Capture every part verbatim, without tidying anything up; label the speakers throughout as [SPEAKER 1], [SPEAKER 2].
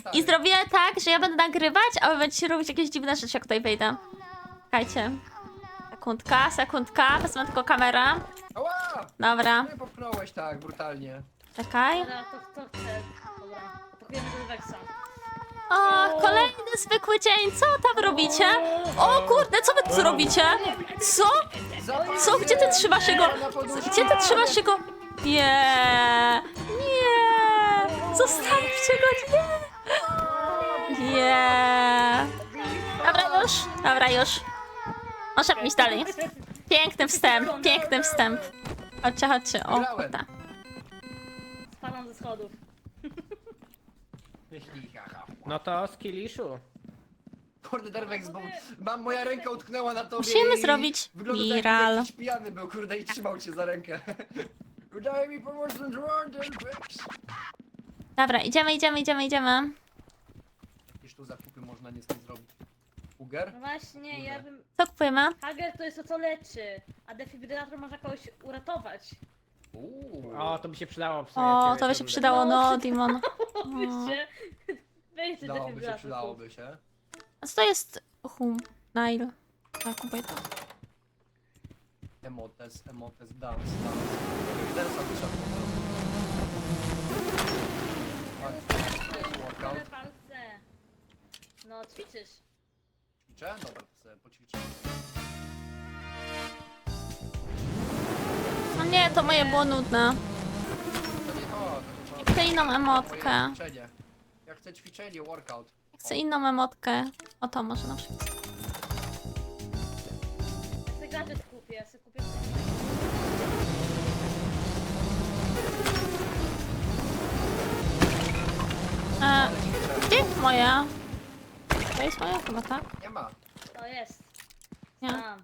[SPEAKER 1] I zrobię tak, że ja będę nagrywać, a wy będziecie robić jakieś dziwne rzeczy, jak tutaj wejdę. Czekajcie. Sekundka, sekundka, wezmę tylko kamerę.
[SPEAKER 2] Ała!
[SPEAKER 1] Dobra,
[SPEAKER 2] Nie popchnąłeś tak brutalnie.
[SPEAKER 1] czekaj.
[SPEAKER 3] Dobra, to kto chce? Dobra, atakujemy do Wexa.
[SPEAKER 1] O, kolejny zwykły dzień, co tam robicie? O kurde, co wy tu robicie? Co? Co? Gdzie ty trzymasz jego? Gdzie ty trzymasz jego? Nie, nie, zostawcie go, nie. Nie. Dobra już, dobra już. Możemy iść dalej. Piękny wstęp, piękny wstęp. Chodźcie, chodźcie, o kurde.
[SPEAKER 3] Spadam ze schodów.
[SPEAKER 2] Myśli, haha.
[SPEAKER 4] No to skilliszu.
[SPEAKER 2] Kurde, Derwex, bo mam, moja ręka utknęła na tobie.
[SPEAKER 1] Musimy
[SPEAKER 2] i
[SPEAKER 1] zrobić
[SPEAKER 2] wygląda tak,
[SPEAKER 1] viral.
[SPEAKER 2] jakby jakiś pijany był, kurde, i trzymał cię za rękę. Daj mi pomocny dron, Derwex.
[SPEAKER 1] Dobra, idziemy, idziemy, idziemy, idziemy.
[SPEAKER 2] Jakieś tu zakupy można niestety zrobić. Uger?
[SPEAKER 3] No właśnie, ja bym...
[SPEAKER 1] Co kupujemy?
[SPEAKER 3] Hager to jest to, co leczy, a defibrylator można kogoś uratować.
[SPEAKER 2] Uuu.
[SPEAKER 4] O, to by się przydało w sumie.
[SPEAKER 1] O,
[SPEAKER 4] ciebie,
[SPEAKER 1] to by się
[SPEAKER 4] kurde.
[SPEAKER 1] przydało, no, Dimon.
[SPEAKER 3] Wyście... Weźcie
[SPEAKER 2] Przydałoby się,
[SPEAKER 3] defibrylator.
[SPEAKER 2] przydałoby się.
[SPEAKER 1] A co to jest hum? Nail. Tak, kupuj to.
[SPEAKER 2] Emotes, emotes, dance, dance. Dance'a wyszedł po prostu. Workout.
[SPEAKER 3] Same palce. No, ćwiczysz.
[SPEAKER 2] Ćwiczę? Dobra, to sobie poćwiczę.
[SPEAKER 1] No nie, to moje było nudne.
[SPEAKER 2] To nie to, to nie to.
[SPEAKER 1] Chcę inną emotkę.
[SPEAKER 2] Moje ćwiczenie. Ja chcę ćwiczenie, workout.
[SPEAKER 1] Chcę inną emotkę. O to może na przykład.
[SPEAKER 3] Ja sobie gadżet kupię, ja sobie kupię...
[SPEAKER 1] E, gdzie jest moja? To jest moja chyba, tak?
[SPEAKER 2] Nie ma.
[SPEAKER 3] To jest.
[SPEAKER 1] Nie.
[SPEAKER 3] Tam.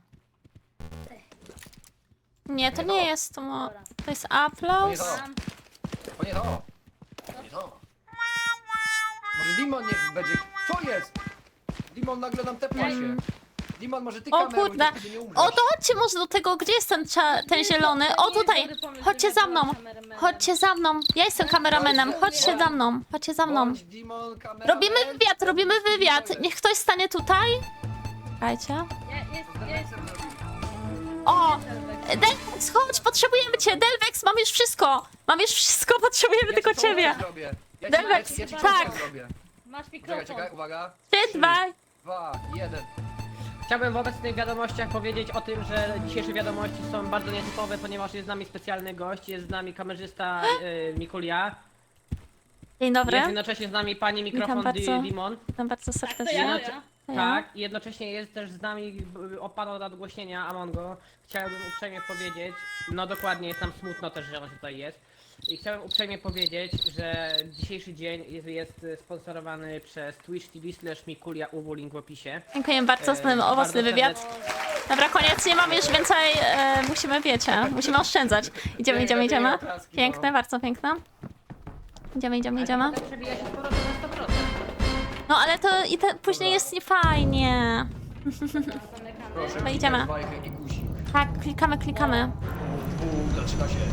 [SPEAKER 1] Nie, to nie jest to mo...
[SPEAKER 3] Dobra.
[SPEAKER 1] To jest
[SPEAKER 2] To nie
[SPEAKER 1] Applause.
[SPEAKER 2] to.
[SPEAKER 3] Tam.
[SPEAKER 2] To nie to. To nie to. Może Dimon niech będzie... Co jest? Dimon nagle nam tepła się. Dimon, może ty
[SPEAKER 1] O
[SPEAKER 2] kameruj,
[SPEAKER 1] kurde.
[SPEAKER 2] to wtedy nie umrzesz.
[SPEAKER 1] O, to chodźcie może do tego, gdzie jest ten, cza- ten zielony? O, tutaj. Chodźcie za mną. Chodźcie za mną. Ja jestem kameramenem. Chodźcie za mną. Chodźcie za mną.
[SPEAKER 2] Bądź Dimon, kameraman.
[SPEAKER 1] Robimy wywiad, robimy wywiad. Niech ktoś stanie tutaj. Czekajcie.
[SPEAKER 3] Ja, jest, jest.
[SPEAKER 1] O! Delvex, chodź, potrzebujemy cię! Delvex, mam już wszystko! Mam już wszystko, potrzebujemy
[SPEAKER 2] Ja
[SPEAKER 1] tylko
[SPEAKER 2] ci
[SPEAKER 1] ciebie!
[SPEAKER 2] pomoc zrobię. Ja ci,
[SPEAKER 1] Delvex,
[SPEAKER 2] ja ci, ja ci
[SPEAKER 1] tak.
[SPEAKER 2] pomoc zrobię.
[SPEAKER 3] Masz
[SPEAKER 2] Czekaj,
[SPEAKER 3] mikrofon.
[SPEAKER 2] czekaj, uwaga.
[SPEAKER 1] Trzy, dwa.
[SPEAKER 2] Dwa, jeden.
[SPEAKER 4] Chciałbym w obecnych wiadomościach powiedzieć o tym, że dzisiejsze wiadomości są bardzo nietypowe, ponieważ jest z nami specjalny gość, jest z nami kamerzysta y, Mikulia,
[SPEAKER 1] Dzień dobry.
[SPEAKER 4] jest jednocześnie z nami pani mikrofon
[SPEAKER 1] Witam
[SPEAKER 4] Di-
[SPEAKER 1] bardzo.
[SPEAKER 4] Dimon.
[SPEAKER 1] Witam bardzo
[SPEAKER 3] Tak, to
[SPEAKER 1] serdecznie.
[SPEAKER 3] ja,
[SPEAKER 4] Jednocze-
[SPEAKER 3] ja.
[SPEAKER 1] To ja.
[SPEAKER 4] Tak, i jednocześnie jest też z nami b- opadał od nadgłośnienia Amongo. Chciałbym uprzejmie powiedzieć, no dokładnie, jest nam smutno też, że on tutaj jest. I chciałem uprzejmie powiedzieć, że dzisiejszy dzień jest, jest sponsorowany przez Twitch T V slash Mikulia U W, link w opisie.
[SPEAKER 1] Dziękuję bardzo za ten
[SPEAKER 4] E,
[SPEAKER 1] owocny
[SPEAKER 4] bardzo
[SPEAKER 1] wywiad.
[SPEAKER 4] serdecznie-
[SPEAKER 1] Dobra, koniec, nie mamy już więcej, e, musimy, wiecie, musimy oszczędzać. Idziemy, idziemy, idziemy. Piękne, bardzo piękne. Idziemy, idziemy, idziemy.
[SPEAKER 4] Ale przebija się z powrotem na sto procent.
[SPEAKER 1] No ale to i te, później jest niefajnie.
[SPEAKER 3] Zamykamy.
[SPEAKER 2] Proszę,
[SPEAKER 1] No idziemy.
[SPEAKER 2] klikaj bajkę i guzik.
[SPEAKER 1] Tak, klikamy, klikamy.
[SPEAKER 2] Bum, zaczyna się.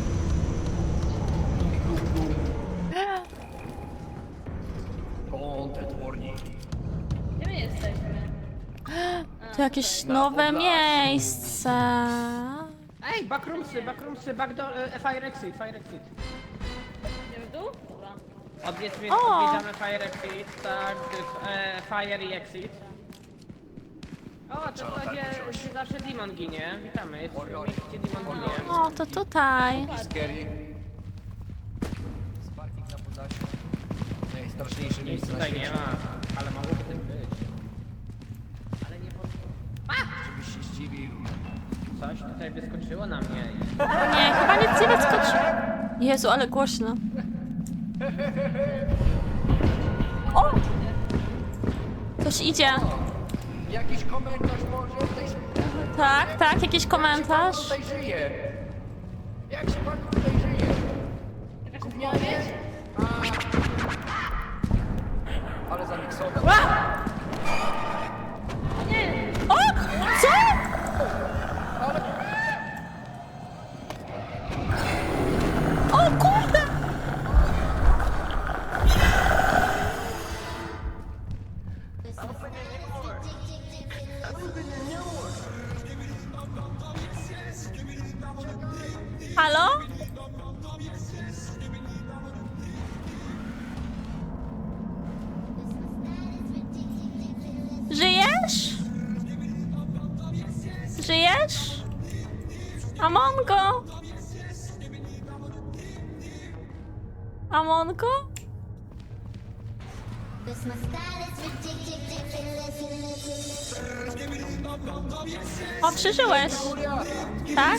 [SPEAKER 2] Content warning.
[SPEAKER 3] Gdzie my jesteśmy? A,
[SPEAKER 1] To jakieś
[SPEAKER 2] Na
[SPEAKER 1] nowe
[SPEAKER 2] Podlasiu.
[SPEAKER 1] miejsce.
[SPEAKER 4] Ej, backroomsy, backroomsy, backdoor, e, fire exit, fire exit.
[SPEAKER 3] Idziemy w dół? Dobra.
[SPEAKER 4] Odwiedźmy,
[SPEAKER 1] O!
[SPEAKER 4] odwiedzamy fire exit, tak, e, fire i exit. O, to
[SPEAKER 2] Trzeba
[SPEAKER 4] to
[SPEAKER 2] tak
[SPEAKER 4] gdzie,
[SPEAKER 2] wziąć.
[SPEAKER 4] gdzie zawsze Demon ginie. Witamy, jest
[SPEAKER 2] Oj, oj.
[SPEAKER 4] miejsce, gdzie Demon ginie.
[SPEAKER 1] O, to tutaj.
[SPEAKER 2] Scary. Sparking na Podlasiu. Najstraszniejsze
[SPEAKER 4] Nic
[SPEAKER 2] miejsce na
[SPEAKER 4] tutaj
[SPEAKER 2] świecie.
[SPEAKER 4] nie ma, ale mogłoby tym być. Ale nie po...
[SPEAKER 2] Żebyś się zdziwił.
[SPEAKER 4] Coś tutaj wyskoczyło na mnie.
[SPEAKER 1] Nie, chyba nic nie wyskoczy. Jezu, ale głośno. O! Ktoś idzie.
[SPEAKER 2] Jakiś komentarz może? Tutaj się...
[SPEAKER 1] Tak, tak, jakiś komentarz.
[SPEAKER 2] Jak się pan tutaj żyje? Jak się pan tutaj żyje?
[SPEAKER 3] Jakaś
[SPEAKER 2] Gównianie?
[SPEAKER 3] odpowiedź?
[SPEAKER 2] A. Ale zamiksował.
[SPEAKER 3] Nie!
[SPEAKER 1] O! Co? O kurde! Żyjesz? Żyjesz? Amongo? Amongo? O, przeżyłeś. Tak?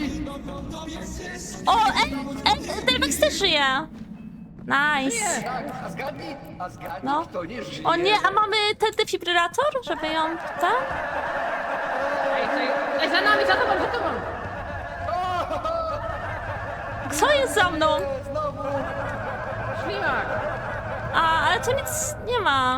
[SPEAKER 1] O, ej, ej, Delvex też żyje. Nice.
[SPEAKER 2] Tak, a zgadnij, a zgadnij,
[SPEAKER 1] No.
[SPEAKER 2] kto nie żyje.
[SPEAKER 1] O nie, a mamy ten defibrylator, żeby ją... Tak?
[SPEAKER 4] Ej, ej, ej, za nami, za tobą, za tobą!
[SPEAKER 1] Co jest za mną?
[SPEAKER 2] Znowu!
[SPEAKER 4] Ślimak!
[SPEAKER 1] A, ale tu nic nie ma.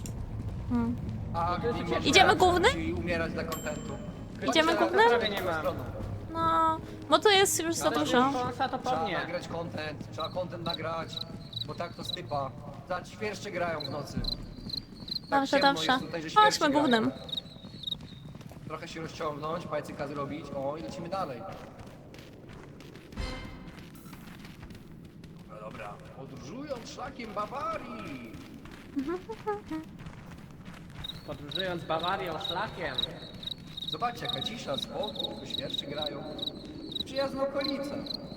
[SPEAKER 2] A, mimo, że
[SPEAKER 1] Idziemy głównym?
[SPEAKER 2] musi umierać dla kontentu.
[SPEAKER 1] Idziemy
[SPEAKER 2] Chodźcie,
[SPEAKER 1] głównym?
[SPEAKER 2] na
[SPEAKER 4] Prawie nie ma.
[SPEAKER 2] stroną.
[SPEAKER 1] No, bo tu jest już za
[SPEAKER 2] Ale
[SPEAKER 1] dużo.
[SPEAKER 4] Konsa to
[SPEAKER 2] Trzeba
[SPEAKER 4] pewnie.
[SPEAKER 2] nagrać content, trzeba content nagrać, bo tak to stypa. Za świerszcze grają w nocy. Tak
[SPEAKER 1] Dobrze,
[SPEAKER 2] ciemno
[SPEAKER 1] dobrze.
[SPEAKER 2] jest tutaj, że świerszcze
[SPEAKER 1] Chodźmy
[SPEAKER 2] grają.
[SPEAKER 1] głównym.
[SPEAKER 2] Trochę się rozciągnąć, pajcyka zrobić, o i lecimy dalej. No dobra, podróżując szlakiem Bawarii.
[SPEAKER 4] Podróżując Bawarią szlakiem.
[SPEAKER 2] Zobaczcie, jaka cisza, spokój, tylko świerszcze grają. Przyjazna okolica.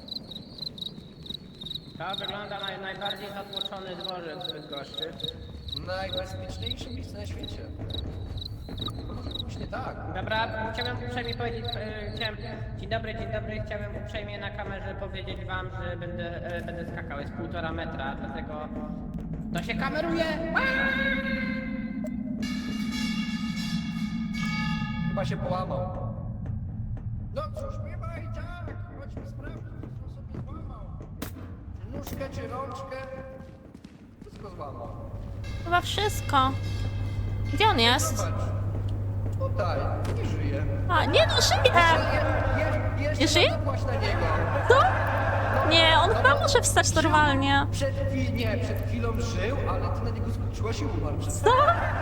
[SPEAKER 4] To wygląda na najbardziej zatłoczony dworzec w Bydgoszczy.
[SPEAKER 2] Najbezpieczniejsze miejsce na świecie. To może być nie tak.
[SPEAKER 4] Dobra, chciałem uprzejmie powiedzieć, e, chciałem, dzień dobry, dzień dobry, chciałem uprzejmie na kamerze powiedzieć wam, że będę, e, będę skakał, jest półtora metra, dlatego to się kameruje!
[SPEAKER 2] Chyba się połamał. No cóż, bywa i tak. Chodźmy sprawdzić, co sobie złamał. Nóżkę czy rączkę? Wszystko złamał.
[SPEAKER 1] Chyba wszystko. Gdzie on jest?
[SPEAKER 2] Zobacz. Tutaj, nie żyje.
[SPEAKER 1] A, nie no, żyje!
[SPEAKER 2] Je, je,
[SPEAKER 1] Nie
[SPEAKER 2] jeszcze
[SPEAKER 1] żyje?
[SPEAKER 2] zapłaś na niego.
[SPEAKER 1] Co? Nie, on chyba może wstać normalnie.
[SPEAKER 2] Przed chwilą, nie, przed chwilą żył, ale ty na niego skoczyłaś i umarł.
[SPEAKER 1] Co?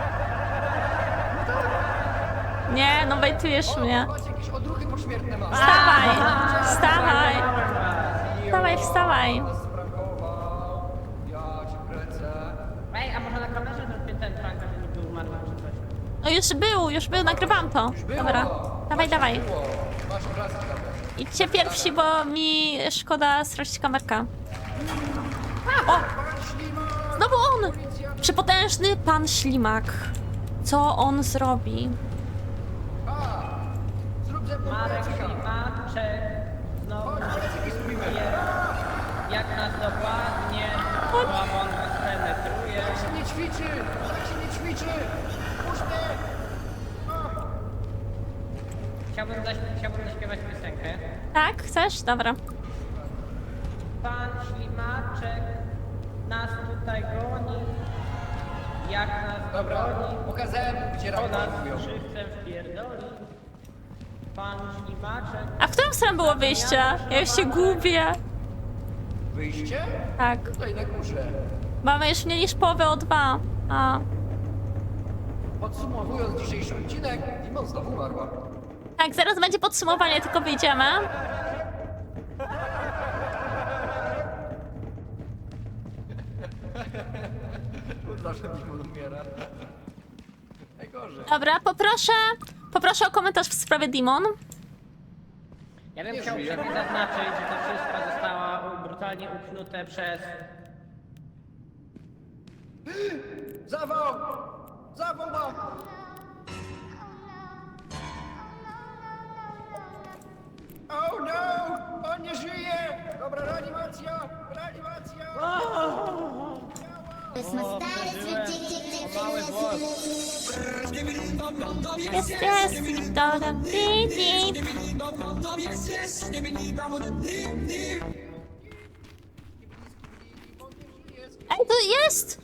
[SPEAKER 1] Nie, no bejtujesz
[SPEAKER 2] O,
[SPEAKER 1] mnie.
[SPEAKER 2] patrz, jakieś odruchy pośmiertne ma.
[SPEAKER 1] Wstawaj! Wstawaj! Wstawaj, wstawaj!
[SPEAKER 2] Nas sprakował. Ja cię kręcę.
[SPEAKER 4] Ej, a może na kamerze zrobię ten prank, że niby umarłem czy coś?
[SPEAKER 1] No już był, już był, nagrywam to.
[SPEAKER 2] Już było.
[SPEAKER 1] Dobra, dawaj,
[SPEAKER 2] Właśnie
[SPEAKER 1] dawaj.
[SPEAKER 2] było. Masz obrazek nawet.
[SPEAKER 1] Idźcie pierwsi, bo mi szkoda stracić kamerkę. O! Znowu on! Przepotężny pan Ślimak. Co on zrobi?
[SPEAKER 2] A, zrób ze mną
[SPEAKER 4] Marek
[SPEAKER 2] pajcyka.
[SPEAKER 4] Ślimaczek znowu
[SPEAKER 2] Chodź, pajcyki zrobimy.
[SPEAKER 4] wie, jak nas dokładnie łamon penetruje.
[SPEAKER 2] Tak się nie ćwiczy, tak się nie ćwiczy. Puść mnie.
[SPEAKER 4] Chciałbym, zaś- chciałbym zaśpiewać piosenkę.
[SPEAKER 1] Tak, chcesz? Dobra.
[SPEAKER 4] Pan Ślimaczek nas tutaj goni. Jak nas
[SPEAKER 2] Dobra,
[SPEAKER 4] goni,
[SPEAKER 2] pokazałem, gdzie
[SPEAKER 4] to nas
[SPEAKER 2] raport mówią.
[SPEAKER 4] żywcem wpierdoli. Pan Ślimaczek.
[SPEAKER 1] A w którą stronę było wyjście? Ja już się gubię.
[SPEAKER 2] Wyjście?
[SPEAKER 1] Tak.
[SPEAKER 2] Tutaj na górze.
[SPEAKER 1] Mamy już mniej niż połowę o dwa. A.
[SPEAKER 2] Podsumowując dzisiejszy odcinek, Dimon znowu umarła.
[SPEAKER 1] Tak, zaraz będzie podsumowanie, tylko wyjdziemy.
[SPEAKER 2] Zawsze Dimon umiera. Najgorzej.
[SPEAKER 1] Dobra, poproszę, poproszę o komentarz w sprawie Dimon.
[SPEAKER 4] Ja bym
[SPEAKER 2] Nie
[SPEAKER 4] chciał
[SPEAKER 2] żyje.
[SPEAKER 4] sobie zaznaczyć, że to wszystko zostało brutalnie uknute przez...
[SPEAKER 2] Zawał! Zawał ma! Oh no! On nie żyje! Dobra, reanimacja! Reanimacja!
[SPEAKER 4] Mały włos.
[SPEAKER 1] Jest, jest, Wiktorem. Dip, dip. Ej, to jest!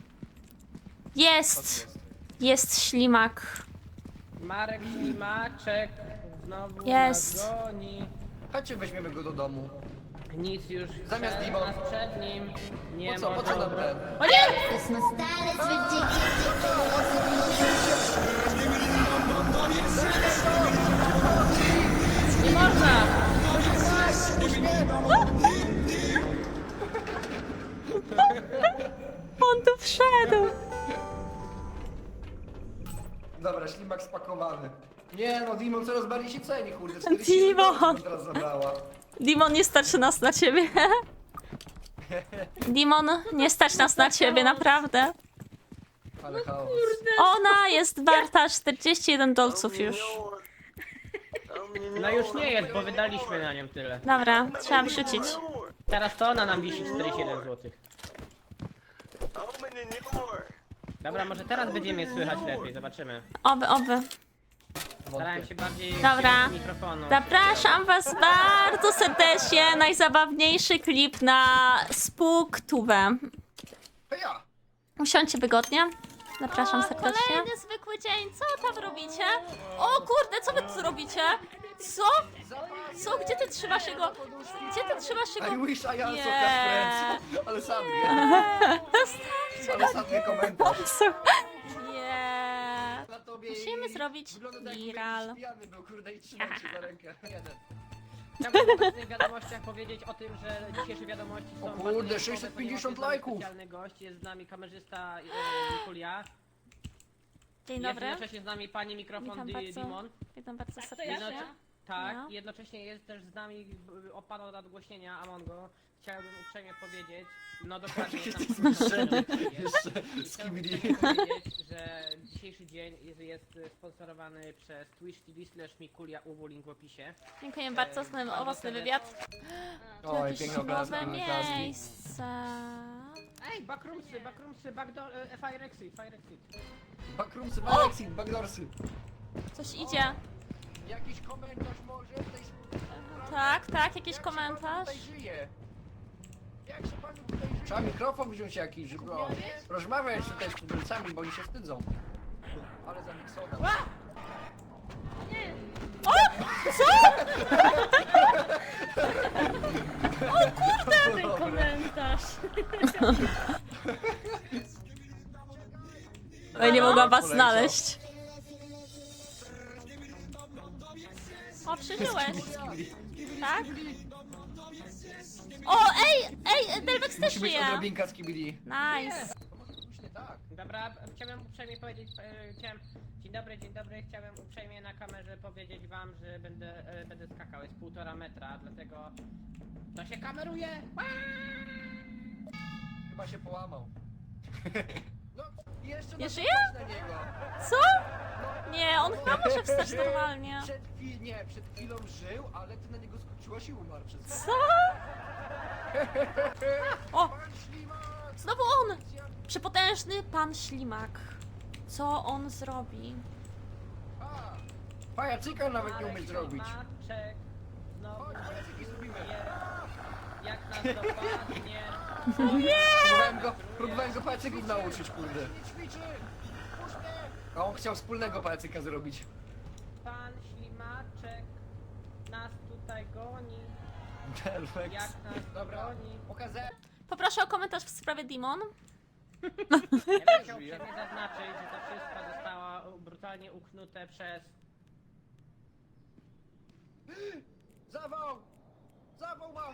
[SPEAKER 1] Jest! Jest ślimak.
[SPEAKER 4] Marek Ślimaczek znowu
[SPEAKER 1] Jest.
[SPEAKER 4] nas goni.
[SPEAKER 2] Chodźcie, weźmiemy go do domu.
[SPEAKER 4] Nic już
[SPEAKER 2] Zamiast
[SPEAKER 4] przed,
[SPEAKER 2] Dimon.
[SPEAKER 4] nas przed nim nie
[SPEAKER 2] Po co? Po
[SPEAKER 4] może
[SPEAKER 2] co nam
[SPEAKER 4] obro-
[SPEAKER 2] ten?
[SPEAKER 4] O nie! Nie można!
[SPEAKER 1] On tu wszedł.
[SPEAKER 2] Dobra, ślimak spakowany. Nie no, Dimon coraz bardziej się ceni, kurde. czterdzieści
[SPEAKER 1] Dimon!
[SPEAKER 2] dolców teraz zabrała.
[SPEAKER 1] Dimon, nie stać nas na ciebie. Dimon, nie stać nas na ciebie, naprawdę.
[SPEAKER 2] Ale chaos.
[SPEAKER 1] Ona jest warta czterdzieści jeden dolców już.
[SPEAKER 4] No już nie jest, bo wydaliśmy na nią tyle.
[SPEAKER 1] Dobra, trzeba wrzucić.
[SPEAKER 4] Teraz to ona nam wisi czterdzieści jeden złotych. Dobra, może teraz będziemy je słychać lepiej, zobaczymy.
[SPEAKER 1] Oby, oby.
[SPEAKER 4] Starałem się bardziej
[SPEAKER 1] Dobra.
[SPEAKER 4] do mikrofonu.
[SPEAKER 1] Zapraszam was bardzo serdecznie. Najzabawniejszy klip na SpookTube.
[SPEAKER 2] Heja!
[SPEAKER 1] Usiądźcie wygodnie. Zapraszam
[SPEAKER 3] O,
[SPEAKER 1] serdecznie.
[SPEAKER 3] kolejny
[SPEAKER 1] zwykły dzień. Co tam robicie? O kurde, co wy tu robicie? Co? Co? Gdzie ty trzymasz jego? Gdzie ty trzymasz
[SPEAKER 2] I
[SPEAKER 1] jego?
[SPEAKER 2] wish I also
[SPEAKER 1] Nie.
[SPEAKER 2] had friends. Ale sam nie. Ale sam nie komentarz.
[SPEAKER 1] Nie.
[SPEAKER 2] Na tobie
[SPEAKER 1] Musimy
[SPEAKER 2] i-
[SPEAKER 1] zrobić
[SPEAKER 2] wygląda tak, jakby
[SPEAKER 1] viral.
[SPEAKER 2] jakiś pijany był, kurde, i trzymał cię za rękę. Jeden.
[SPEAKER 4] Chciałbym w obecnych wiadomościach powiedzieć o tym, że dzisiejsze wiadomości są
[SPEAKER 2] O kurde,
[SPEAKER 4] bardzo wyjątkowe,
[SPEAKER 2] sześćset pięćdziesiąt
[SPEAKER 4] ponieważ jest z nami
[SPEAKER 2] lajków.
[SPEAKER 4] Specjalny gość, jest z nami kamerzysta e, Mikulia.
[SPEAKER 1] Dzień
[SPEAKER 4] Jest
[SPEAKER 1] dobry.
[SPEAKER 4] jednocześnie z nami pani mikrofon
[SPEAKER 1] Witam
[SPEAKER 4] Di-
[SPEAKER 1] bardzo.
[SPEAKER 4] Dimon.
[SPEAKER 1] Witam bardzo
[SPEAKER 3] Tak, to ja
[SPEAKER 1] serdecznie.
[SPEAKER 3] się?
[SPEAKER 4] Tak,
[SPEAKER 1] No.
[SPEAKER 4] jednocześnie jest też z nami b- opadał nadgłośnienia Amongo. Chciałbym uprzejmie powiedzieć, no dokładnie jest tam
[SPEAKER 2] Zniszczenie.
[SPEAKER 4] jest.
[SPEAKER 2] Jeszcze
[SPEAKER 4] I
[SPEAKER 2] z
[SPEAKER 4] chciałbym
[SPEAKER 2] Kibidi.
[SPEAKER 4] uprzejmie powiedzieć, że dzisiejszy dzień jest, jest sponsorowany przez Twitch T V slash Mikulia U W, link w opisie.
[SPEAKER 1] Dziękuję bardzo za ten
[SPEAKER 4] Bardzo
[SPEAKER 1] owocny
[SPEAKER 4] serdecznie.
[SPEAKER 1] wywiad.
[SPEAKER 2] Oj,
[SPEAKER 1] Jakieś
[SPEAKER 2] piękne obrazki,
[SPEAKER 1] nowe
[SPEAKER 2] obrazki.
[SPEAKER 1] miejsce.
[SPEAKER 4] Ej, backroomsy, backroomsy, backdoor, e, fire exit, fire exit.
[SPEAKER 2] Backroomsy, backexit, backdoorsy.
[SPEAKER 1] Coś idzie.
[SPEAKER 2] Jakiś komentarz może? Tej...
[SPEAKER 1] Tak, tak, jakiś
[SPEAKER 2] Jak się pan
[SPEAKER 1] komentarz.
[SPEAKER 2] tutaj żyje? Jak się panu tutaj żyje? Trzeba mikrofon wziąć jakiś, żeby o, rozmawiać tutaj z tubylcami, bo oni się wstydzą. Ale zamiksował.
[SPEAKER 3] ten komentarz.
[SPEAKER 1] Oj, nie mogłam was
[SPEAKER 2] Poleciał.
[SPEAKER 1] znaleźć. O, przeżyłeś. Tak? O, ej, ej, Delvex też
[SPEAKER 2] Musi być
[SPEAKER 1] żyje.
[SPEAKER 2] odrobinka z kibidi.
[SPEAKER 1] Nice.
[SPEAKER 2] Nie tak.
[SPEAKER 4] Dobra, chciałem uprzejmie powiedzieć, e, chciałem, dzień dobry, dzień dobry, chciałem uprzejmie na kamerze powiedzieć wam, że będę, e, będę skakał, jest półtora metra, dlatego to się kameruje.
[SPEAKER 2] Chyba się połamał. No, i jeszcze
[SPEAKER 1] Nie
[SPEAKER 2] na
[SPEAKER 1] żyje?
[SPEAKER 2] na niego.
[SPEAKER 1] Co? Nie, on chyba może wstać normalnie.
[SPEAKER 2] Przed chwil, nie, przed chwilą żył, ale ty na niego skoczyłaś i umarł przez to.
[SPEAKER 1] Co? O,
[SPEAKER 2] Pan ślimak!
[SPEAKER 1] znowu on! Przepotężny pan ślimak. Co on zrobi?
[SPEAKER 2] A, pajacyka nawet nie umiesz zrobić.
[SPEAKER 4] Maczek, znowu
[SPEAKER 2] Chodź, pajacyki zrobimy.
[SPEAKER 4] je, jak nas dopadnie.
[SPEAKER 2] Próbowałem go, próbowałem go pajacyków nauczyć, kurde. Nie ćwiczy! Puść mnie! A on chciał wspólnego pajacyka zrobić.
[SPEAKER 4] Pan ślimaczek nas tutaj goni,
[SPEAKER 2] Delvex.
[SPEAKER 4] jak nas
[SPEAKER 2] Dobra,
[SPEAKER 4] goni.
[SPEAKER 2] pokazę.
[SPEAKER 1] Poproszę o komentarz w sprawie Dimon.
[SPEAKER 4] Ja bym chciał uprzejmie zaznaczyć, że to wszystko zostało brutalnie uknute przez...
[SPEAKER 2] Zawał! Zawał ma!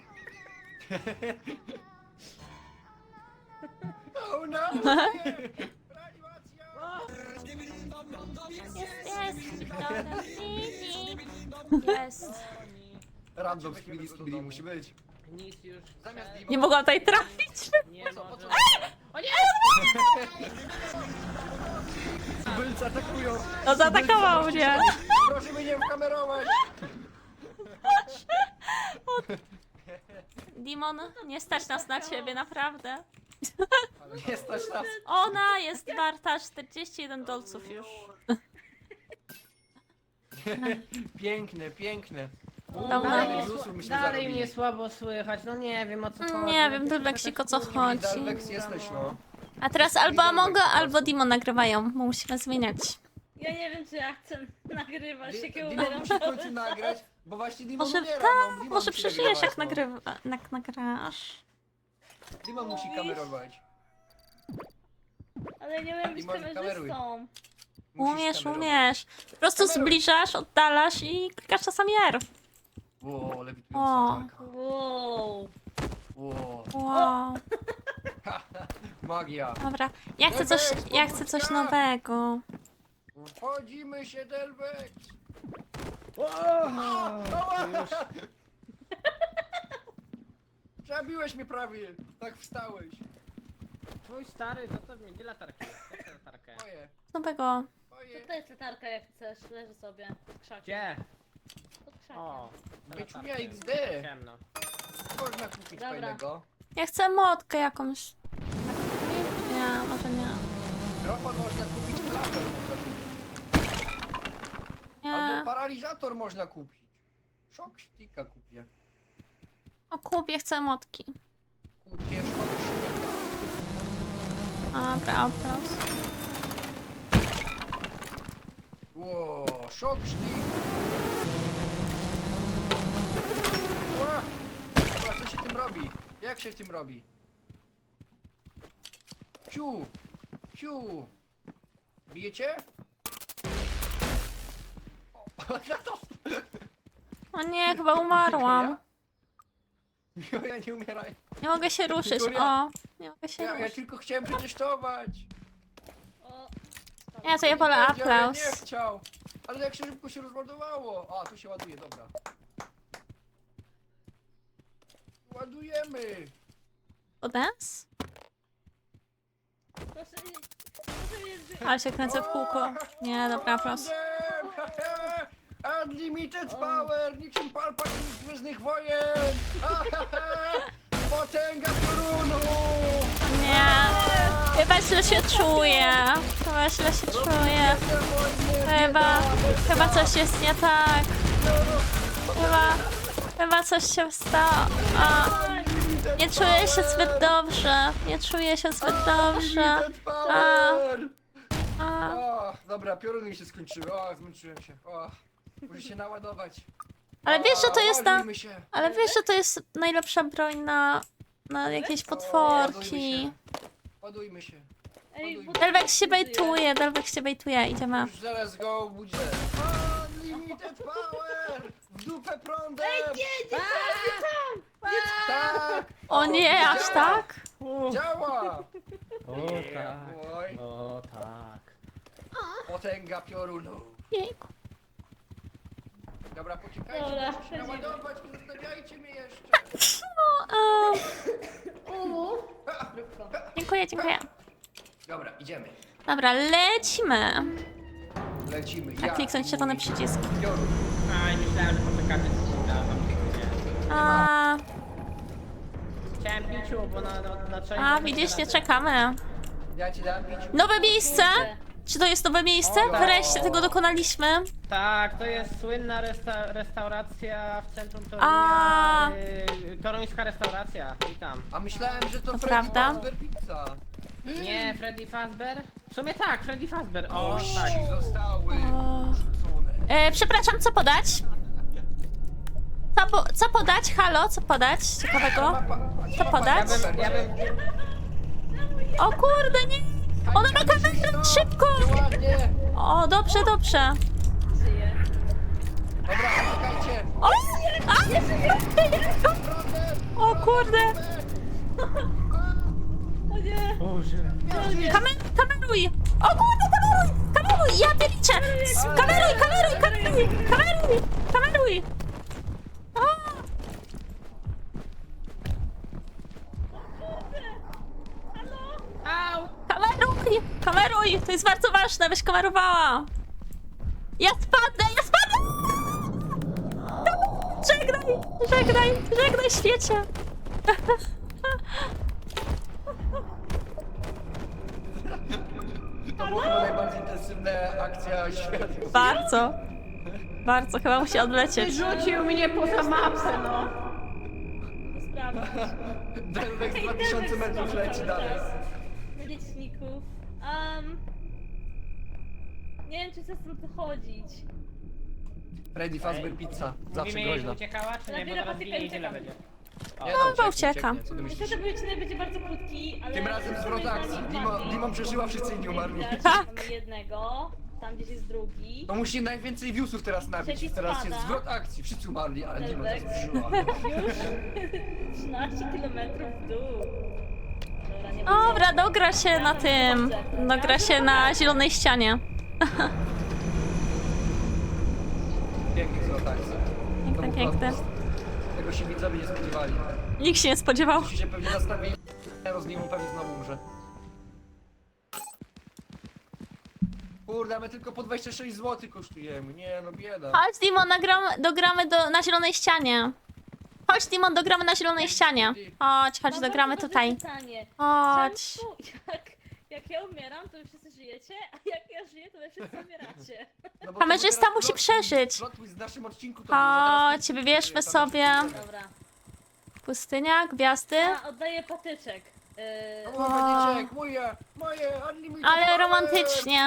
[SPEAKER 2] Oh no! Reanimacja!
[SPEAKER 1] Jest, jest. Dobra, jest.
[SPEAKER 4] Goni.
[SPEAKER 2] Random z kibidi, z kibidi musi być.
[SPEAKER 4] Nic już
[SPEAKER 2] Zamiast
[SPEAKER 4] przed-
[SPEAKER 1] Nie mogłam tutaj trafić.
[SPEAKER 4] nie
[SPEAKER 2] po co, po
[SPEAKER 4] może...
[SPEAKER 2] co?
[SPEAKER 4] O nie!
[SPEAKER 2] Tubylcy atakują!
[SPEAKER 1] No zaatakował mnie.
[SPEAKER 2] Proszę mnie nie wkamerować!
[SPEAKER 1] Dimon, nie stać nas na ciebie, naprawdę.
[SPEAKER 2] Nie stać nas!
[SPEAKER 1] Ona jest warta czterdzieści jeden dolców już.
[SPEAKER 2] Piękne, piękne.
[SPEAKER 1] Dobra.
[SPEAKER 4] Dalej,
[SPEAKER 2] Plusów
[SPEAKER 4] mnie,
[SPEAKER 2] myśmy
[SPEAKER 4] dalej
[SPEAKER 2] zarobili.
[SPEAKER 4] mnie słabo słychać, no nie wiem o co chodzi.
[SPEAKER 1] Nie wiem, Delvexik, o co chodzi.
[SPEAKER 2] Dalvex jesteś, no.
[SPEAKER 1] A teraz albo Amongo, albo Dimon nagrywają. Musimy zmieniać.
[SPEAKER 3] Ja nie wiem, czy ja chcę nagrywać, jakie
[SPEAKER 2] Dimon
[SPEAKER 3] umieram.
[SPEAKER 2] musi w końcu nagrać, bo właśnie Dimon
[SPEAKER 1] Może
[SPEAKER 2] umiera,
[SPEAKER 1] tak,
[SPEAKER 2] no. Dimon
[SPEAKER 1] może
[SPEAKER 2] musi
[SPEAKER 1] przeżyjesz jak,
[SPEAKER 2] nagrywać,
[SPEAKER 1] nagrywa, jak nagrasz.
[SPEAKER 2] no. Dimon musi kamerować.
[SPEAKER 3] Ale nie umiem być
[SPEAKER 2] Dimon, kameruj.
[SPEAKER 3] kamerzystą.
[SPEAKER 2] Musisz
[SPEAKER 1] Umiesz,
[SPEAKER 2] kamerować.
[SPEAKER 1] umiesz. Po prostu
[SPEAKER 2] Kameruj.
[SPEAKER 1] zbliżasz, oddalasz i klikasz czasami R.
[SPEAKER 2] Ło, lewitująca
[SPEAKER 1] O.
[SPEAKER 2] walka.
[SPEAKER 3] Wow.
[SPEAKER 2] Ło.
[SPEAKER 1] Wow.
[SPEAKER 2] Magia.
[SPEAKER 1] Dobra, ja chcę coś, ja chcę coś nowego.
[SPEAKER 2] Wchodzimy się, Delvex!
[SPEAKER 4] Już.
[SPEAKER 2] Zabiłeś mnie prawie! Tak wstałeś.
[SPEAKER 4] Twój stary, co to mnie? Gdzie latarkę? Jak tę latarkę?
[SPEAKER 2] Moje,
[SPEAKER 1] Nowego.
[SPEAKER 2] moje.
[SPEAKER 3] To, to jest latarka jak chcesz, leży sobie pod krzakiem.
[SPEAKER 4] Gdzie?
[SPEAKER 3] Pod krzakiem.
[SPEAKER 4] O. tę
[SPEAKER 2] Wieczunia
[SPEAKER 4] latarkę.
[SPEAKER 2] X D.
[SPEAKER 4] Ciemno.
[SPEAKER 2] Można kupić
[SPEAKER 3] Dobra.
[SPEAKER 2] fajnego.
[SPEAKER 1] Ja chcę motkę jakąś. Nie, może nie.
[SPEAKER 2] Mikrofon można kupić, klapę można kupić.
[SPEAKER 1] Nie.
[SPEAKER 2] Albo paralizator można kupić. Shock sticka kupię.
[SPEAKER 1] O kupię, chcę motki.
[SPEAKER 2] Kupię shock sticka.
[SPEAKER 1] Dobra, aplauz.
[SPEAKER 2] Ło, shock stick. Ła! Dobra, co się tym robi? Jak się tym robi? Ciu! Ciu! Bijecie? O,
[SPEAKER 1] O nie, chyba umarłam.
[SPEAKER 2] Ja, ja nie umieraj.
[SPEAKER 1] Nie mogę się ruszyć.
[SPEAKER 2] Wiktoria.
[SPEAKER 1] O, nie mogę się
[SPEAKER 2] Ja, ja
[SPEAKER 1] ruszyć.
[SPEAKER 2] tylko chciałem przetestować.
[SPEAKER 3] O,
[SPEAKER 1] Ja to ja wolę
[SPEAKER 2] Nie wiedział, ja
[SPEAKER 1] aplauz.
[SPEAKER 2] nie chciał. Ale jak się szybko się rozładowało. A, tu się ładuje, dobra. Ładujemy.
[SPEAKER 1] Dance?
[SPEAKER 3] proszę, proszę mnie zby...
[SPEAKER 1] Ale się kręcę w kółko. Nie, dobra, aplauz.
[SPEAKER 2] Unlimited power, niczym Palpatine z Gwiezdnych Wojen. Potęga piorunu.
[SPEAKER 1] Nie. Chyba źle się czuję. Chyba źle się czuję. Chyba, chyba coś jest nie tak. Chyba, chyba coś się stało. A, nie czuję się zbyt dobrze. Nie czuję się zbyt dobrze.
[SPEAKER 2] Unlimited power.
[SPEAKER 1] A,
[SPEAKER 2] O, dobra, pioruny się skończyły. O, zmęczyłem się. O, muszę się naładować.
[SPEAKER 1] ale wiesz, że to jest ta...
[SPEAKER 2] Ładujmy się.
[SPEAKER 1] Ale wiesz, że to jest najlepsza broń na... na jakieś potworki.
[SPEAKER 2] Ładujmy się.
[SPEAKER 3] Ej, bo-
[SPEAKER 1] Delvex się bejtuje, Delvex się bejtuje, idziemy.
[SPEAKER 2] Już zaraz go budzę. Unlimited power! W dupę prądem!
[SPEAKER 3] Nie, nie,
[SPEAKER 2] Tak!
[SPEAKER 1] O nie, aż tak?
[SPEAKER 2] Działa!
[SPEAKER 4] O tak.
[SPEAKER 2] Oj,
[SPEAKER 4] O tak.
[SPEAKER 2] potęga piorunu.
[SPEAKER 1] Jejku.
[SPEAKER 2] Dobra, poczekajcie,
[SPEAKER 3] Dobra,
[SPEAKER 2] muszę się
[SPEAKER 3] wchodzimy.
[SPEAKER 2] naładować, nie zostawiajcie mnie jeszcze.
[SPEAKER 1] No, a,
[SPEAKER 3] Uuu.
[SPEAKER 1] dziękuję, dziękuję.
[SPEAKER 2] Dobra, idziemy.
[SPEAKER 1] Dobra, lecimy.
[SPEAKER 2] Lecimy.
[SPEAKER 1] A
[SPEAKER 2] Ja
[SPEAKER 1] kliknąć
[SPEAKER 2] i
[SPEAKER 1] czerwony
[SPEAKER 2] mój
[SPEAKER 1] przycisk.
[SPEAKER 2] Piorun.
[SPEAKER 4] Aj, myślałem, że poczekacie coś na wam pięknie.
[SPEAKER 1] A,
[SPEAKER 4] Chciałem piciu, bo na, na, na część...
[SPEAKER 1] a widzisz, nie czekamy.
[SPEAKER 2] Ja ci dam pić.
[SPEAKER 1] Nowe miejsce? Czy to jest nowe miejsce?
[SPEAKER 2] O,
[SPEAKER 1] Wreszcie tego dokonaliśmy.
[SPEAKER 4] Tak, to jest słynna resta restauracja w centrum
[SPEAKER 1] A.
[SPEAKER 4] Torunia. Yy, toruńska restauracja, witam.
[SPEAKER 2] A myślałem, że to
[SPEAKER 1] To
[SPEAKER 2] Freddy
[SPEAKER 1] prawda?
[SPEAKER 2] Fazbear Pizza.
[SPEAKER 4] Nie, Freddy Fazbear? W sumie tak, Freddy Fazbear. O,
[SPEAKER 2] Osi
[SPEAKER 4] tak.
[SPEAKER 2] zostały
[SPEAKER 1] O.
[SPEAKER 2] rzucone.
[SPEAKER 1] E, przepraszam, co podać? Co, po, co podać? Halo, co podać? Ciekawego? Co
[SPEAKER 4] Ja
[SPEAKER 1] podać?
[SPEAKER 4] bym, ja bym...
[SPEAKER 1] O kurde, nie! Ona ma kamerę, szybko!
[SPEAKER 2] Ładnie!
[SPEAKER 1] O, dobrze, dobrze.
[SPEAKER 3] Żyje.
[SPEAKER 2] Dobra, czekajcie!
[SPEAKER 1] O! A! O kurde!
[SPEAKER 3] O nie.
[SPEAKER 4] Boże.
[SPEAKER 1] Kamer kameruj! O kurde, kameruj! Kameruj! Ja pierdolę! Kameruj, kameruj, kameruj! Kameruj! Kameruj! O!
[SPEAKER 4] Au!
[SPEAKER 1] Kameruj! Kameruj! To jest bardzo ważne, byś kamerowała! Ja spadnę! Ja spadnę! Żegnaj! Żegnaj! Żegnaj, świecie!
[SPEAKER 2] To była chyba najbardziej intensywna akcja świata.
[SPEAKER 1] Bardzo. Bardzo, chyba musi odlecieć.
[SPEAKER 4] Rzucił mnie poza mapę, no!
[SPEAKER 3] To sprawdź.
[SPEAKER 2] Delvex dwa tysiące metrów leci dalej.
[SPEAKER 3] Liczników. Um, nie wiem, czy chcę stąd wychodzić.
[SPEAKER 2] Freddy Fazbear Pizza. Zawsze
[SPEAKER 4] Mówimy jej, że
[SPEAKER 2] groźna.
[SPEAKER 4] uciekała, czy nie? Bo
[SPEAKER 3] Chwilę
[SPEAKER 4] zaraz
[SPEAKER 3] poczekaj,
[SPEAKER 4] ginie i tyle
[SPEAKER 3] uciekam.
[SPEAKER 4] będzie.
[SPEAKER 2] Nie,
[SPEAKER 1] No,
[SPEAKER 2] no,
[SPEAKER 1] chyba
[SPEAKER 2] ucieknie,
[SPEAKER 1] ucieka.
[SPEAKER 2] ucieknie, co ty myślisz?
[SPEAKER 3] Niestety odcinek będzie bardzo krótki, ale...
[SPEAKER 2] Tym razem zwrot akcji. Dimo, Dimo przeżyła, wszyscy inni umarli.
[SPEAKER 1] Tak.
[SPEAKER 3] Mamy jednego, tam gdzieś jest drugi.
[SPEAKER 2] To musi najwięcej viewsów teraz nabić.
[SPEAKER 3] Trzeci
[SPEAKER 2] Teraz jest
[SPEAKER 3] spada.
[SPEAKER 2] zwrot akcji. Wszyscy umarli, ale Dimo teraz
[SPEAKER 3] Delvex.
[SPEAKER 2] przeżyła.
[SPEAKER 3] Już trzynaście kilometrów w dół. Dobra, nie
[SPEAKER 1] Dobra, dogra się na tym. Dogra się na zielonej ścianie.
[SPEAKER 2] piękny złotańcy.
[SPEAKER 1] Piękne, piękne.
[SPEAKER 2] Tego się widzowie nie spodziewali.
[SPEAKER 1] Nikt się nie spodziewał.
[SPEAKER 2] Ci się pewnie nastawili, z nim pewnie znowu umrze. Kurde, my tylko po dwadzieścia sześć złotych kosztujemy. Nie no, bieda.
[SPEAKER 1] Chodź, Dimon, nagramy, dogramy do, na zielonej ścianie. Chodź, Dimon, dogramy na zielonej ścianie. Chodź, chodź,
[SPEAKER 3] Mam
[SPEAKER 1] dogramy
[SPEAKER 3] bardzo
[SPEAKER 1] tutaj.
[SPEAKER 3] dobre pytanie.
[SPEAKER 1] Chodź.
[SPEAKER 3] Czemu, jak, jak ja umieram, to wy wszyscy żyjecie, a jak ja żyję, to wy wszyscy umieracie.
[SPEAKER 2] No bo
[SPEAKER 1] Kamerzysta
[SPEAKER 2] to teraz
[SPEAKER 1] musi
[SPEAKER 2] plot-
[SPEAKER 1] przeżyć.
[SPEAKER 2] plot twist w naszym odcinku to był, że teraz
[SPEAKER 1] Chodź,
[SPEAKER 2] ty-
[SPEAKER 1] wybierzmy
[SPEAKER 2] ty-
[SPEAKER 1] sobie
[SPEAKER 3] Dobra.
[SPEAKER 1] pustynia, gwiazdy.
[SPEAKER 3] A, oddaję patyczek. Yy,
[SPEAKER 2] O, Będziecie, moje, moje, unlimited
[SPEAKER 1] Ale
[SPEAKER 2] power!
[SPEAKER 1] romantycznie.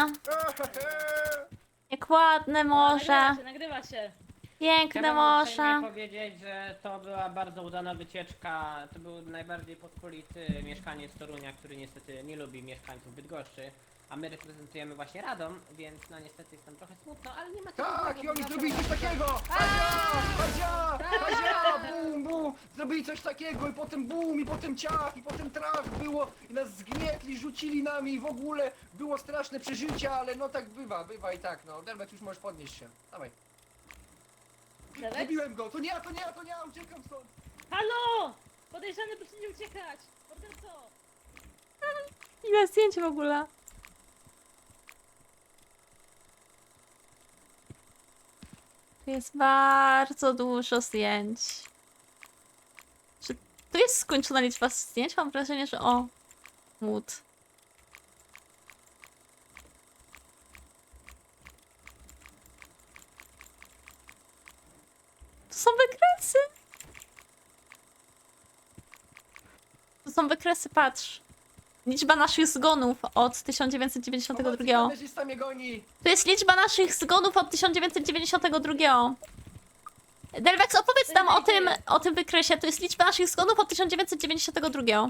[SPEAKER 1] Jak ładne morze.
[SPEAKER 3] Nagrywa się, nagrywa się.
[SPEAKER 1] Piękne
[SPEAKER 4] Chciałbym uprzejmie
[SPEAKER 1] morze.
[SPEAKER 4] powiedzieć, że to była bardzo udana wycieczka. To był najbardziej pospolity mieszkaniec Torunia, który niestety nie lubi mieszkańców Bydgoszczy. A my reprezentujemy właśnie Radom, więc no niestety jest tam trochę smutno, ale nie ma co
[SPEAKER 2] Tak, i oni
[SPEAKER 4] bo
[SPEAKER 2] zrobili coś takiego! Hadzia! Hadzia! Hadzia! Bum, bum! Zrobili coś takiego i potem bum, i potem ciach, i potem trach było i nas zgnietli, rzucili nami i w ogóle było straszne przeżycie, ale no tak bywa, bywa i tak, no. Delwek, już możesz podnieść się. Dawaj.
[SPEAKER 3] Delwek?
[SPEAKER 2] Zabiłem go! To nie ja, to nie ja, to nie ja, uciekam stąd!
[SPEAKER 3] Halo! Podejrzany, proszę nie uciekać! Morderco!
[SPEAKER 1] Ile zdjęć w ogóle. Tu jest bardzo dużo zdjęć. Czy tu jest skończona liczba zdjęć? Mam wrażenie, że o. Mód. To są wykresy. To są wykresy, patrz. Liczba naszych zgonów od tysiąc dziewięćset dziewięćdziesiątego drugiego.
[SPEAKER 2] Kamerzysta mnie goni!
[SPEAKER 1] To jest liczba naszych zgonów od tysiąc dziewięćset dziewięćdziesiątego drugiego. Delvex, opowiedz nam o tym, o tym wykresie. To jest liczba naszych zgonów od tysiąc dziewięćset dziewięćdziesiątego drugiego.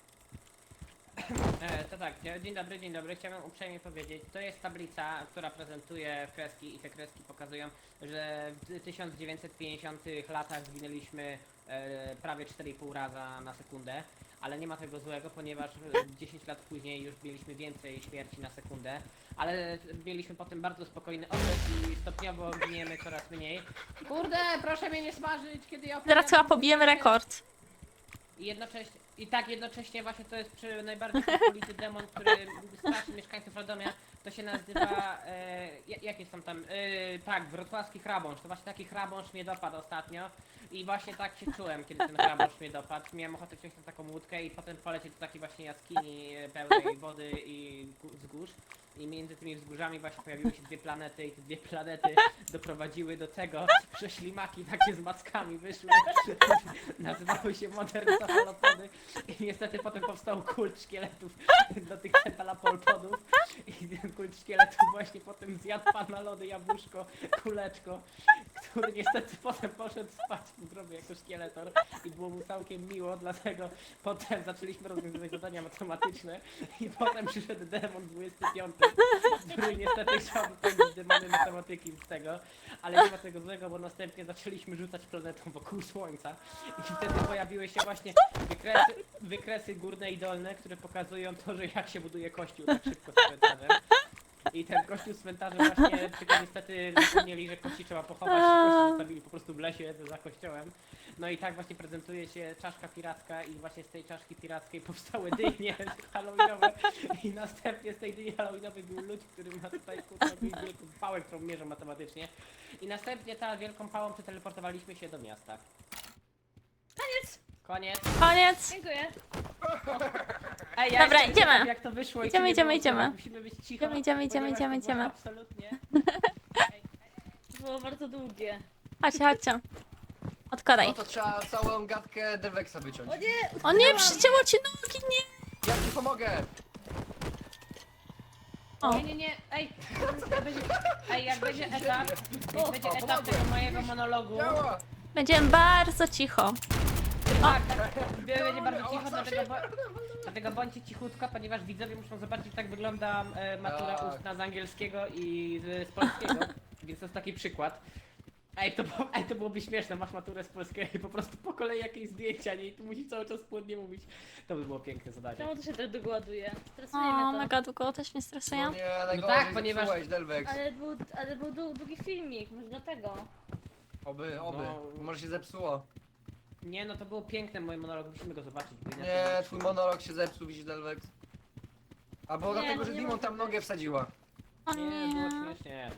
[SPEAKER 4] E, to tak, dzie- dzień dobry, dzień dobry. Chciałem uprzejmie powiedzieć, to jest tablica, która prezentuje kreski i te kreski pokazują, że w tysiąc dziewięćset pięćdziesiątych latach zginęliśmy e, prawie cztery i pół raza na sekundę, ale nie ma tego złego, ponieważ e, dziesięć lat później już mieliśmy więcej śmierci na sekundę, ale mieliśmy potem bardzo spokojny okres i stopniowo giniemy coraz mniej. Kurde, proszę mnie nie smażyć, kiedy ja
[SPEAKER 1] Zaraz
[SPEAKER 4] opowiadam
[SPEAKER 1] chyba pobijemy rekord.
[SPEAKER 4] i jednocześnie, i tak jednocześnie właśnie to jest przy najbardziej pospolity demon, który straszy mieszkańców Radomia, to się nazywa, e, ja- jak jest tam tam, e, tak, wrocławski chrabąszcz, to właśnie taki chrabąszcz mnie dopadł ostatnio i właśnie tak się czułem, kiedy ten chrabąszcz mnie dopadł, miałem ochotę wziąć na taką łódkę i potem polecieć do takiej właśnie jaskini e, pełnej wody i gó- wzgórz i między tymi wzgórzami właśnie pojawiły się dwie planety i te dwie planety doprowadziły do tego, że ślimaki takie z mackami wyszły, nazywały się moderne cefalopody i niestety potem powstał kult szkieletów do tych cefalopodów i ten kult szkieletów właśnie potem zjadł pana lody, jabłuszko, kuleczko, który niestety potem poszedł spać w grobie jako szkieletor i było mu całkiem miło, dlatego potem zaczęliśmy rozwiązywać zadania matematyczne i potem przyszedł demon dwudziesty piąty, który niestety chciał wypełnić demony matematyki z tego, ale nie ma tego złego, bo następnie zaczęliśmy rzucać planetą wokół Słońca i wtedy pojawiły się właśnie wykresy, wykresy górne i dolne, które pokazują to, że jak się buduje kościół tak szybko z cmentarzem. I ten kościół z cmentarzem właśnie, tylko niestety zapomnieli, że kości trzeba pochować, kości zostawili po prostu w lesie za kościołem. No i tak właśnie prezentuje się czaszka piracka i właśnie z tej czaszki pirackiej powstały dynie halloweenowe i następnie z tej dyni halloweenowej był ludź, który ma tutaj kurwa wielką pałę, którą mierzą matematycznie i następnie ta wielką pałą przeteleportowaliśmy się do miasta.
[SPEAKER 3] Koniec!
[SPEAKER 4] Koniec.
[SPEAKER 1] Koniec.
[SPEAKER 3] Dziękuję.
[SPEAKER 4] Ej, ja
[SPEAKER 1] Dobra,
[SPEAKER 4] jestem
[SPEAKER 1] idziemy.
[SPEAKER 4] ciekaw, jak to wyszło i
[SPEAKER 1] Idziemy,
[SPEAKER 4] czy nie
[SPEAKER 1] idziemy,
[SPEAKER 4] było
[SPEAKER 1] idziemy.
[SPEAKER 4] słów. Musimy być cicho.
[SPEAKER 1] Idziemy, idziemy, idziemy,
[SPEAKER 4] ponieważ
[SPEAKER 1] idziemy,
[SPEAKER 4] to było
[SPEAKER 1] idziemy.
[SPEAKER 4] Absolutnie.
[SPEAKER 3] To było bardzo długie.
[SPEAKER 1] Chodźcie, chodźcie. Odkładaj.
[SPEAKER 2] No to trzeba całą gadkę Delvexa wyciąć.
[SPEAKER 3] O nie!
[SPEAKER 1] O nie,
[SPEAKER 3] utknęłam.
[SPEAKER 1] przycięło ci nogi, nie.
[SPEAKER 2] Ja ci pomogę!
[SPEAKER 1] O.
[SPEAKER 4] Nie, nie, nie, ej, jak będzie, ej, jak będzie etap,
[SPEAKER 2] O,
[SPEAKER 4] jak będzie
[SPEAKER 2] o,
[SPEAKER 4] etap
[SPEAKER 2] pomogłem.
[SPEAKER 4] tego mojego monologu,
[SPEAKER 2] Działa!
[SPEAKER 1] Będziemy bardzo cicho.
[SPEAKER 4] tak, tak, będzie bardzo cicho, dlatego, bo, dlatego bądźcie cichutko, ponieważ widzowie muszą zobaczyć, jak wygląda e, matura
[SPEAKER 2] Tak.
[SPEAKER 4] ustna z angielskiego i z, z polskiego, więc to jest taki przykład. Ej, to, było- ej, to byłoby śmieszne, masz maturę z polskiego i po prostu po kolei jakieś zdjęcia, nie? I tu musi cały czas płynnie mówić. To by było piękne zadanie.
[SPEAKER 3] Czemu to się tak dogładuje? Stresuje
[SPEAKER 1] O,
[SPEAKER 3] mnie to.
[SPEAKER 1] mega długo, też mnie
[SPEAKER 2] No
[SPEAKER 1] stresuje.
[SPEAKER 2] nie, najgorzej
[SPEAKER 4] tak, ponieważ-
[SPEAKER 2] zepsułeś, Delvex.
[SPEAKER 3] Ale był, ale był dłu- długi filmik, może dlatego.
[SPEAKER 2] Oby, oby.
[SPEAKER 4] No.
[SPEAKER 2] Może się zepsuło.
[SPEAKER 4] Nie, no to było piękne, mój monolog, musimy go zobaczyć. bo inaczej
[SPEAKER 2] Nie,
[SPEAKER 4] będzie
[SPEAKER 2] twój
[SPEAKER 4] szło.
[SPEAKER 2] monolog się zepsuł, widzisz, Delvex. Albo
[SPEAKER 3] Nie,
[SPEAKER 2] dlatego,
[SPEAKER 3] no
[SPEAKER 2] że
[SPEAKER 3] nie
[SPEAKER 2] Dimon
[SPEAKER 3] może
[SPEAKER 2] tam
[SPEAKER 3] być.
[SPEAKER 2] nogę wsadziła.
[SPEAKER 1] O
[SPEAKER 4] Nie, było
[SPEAKER 1] nie.
[SPEAKER 4] śmiesznie.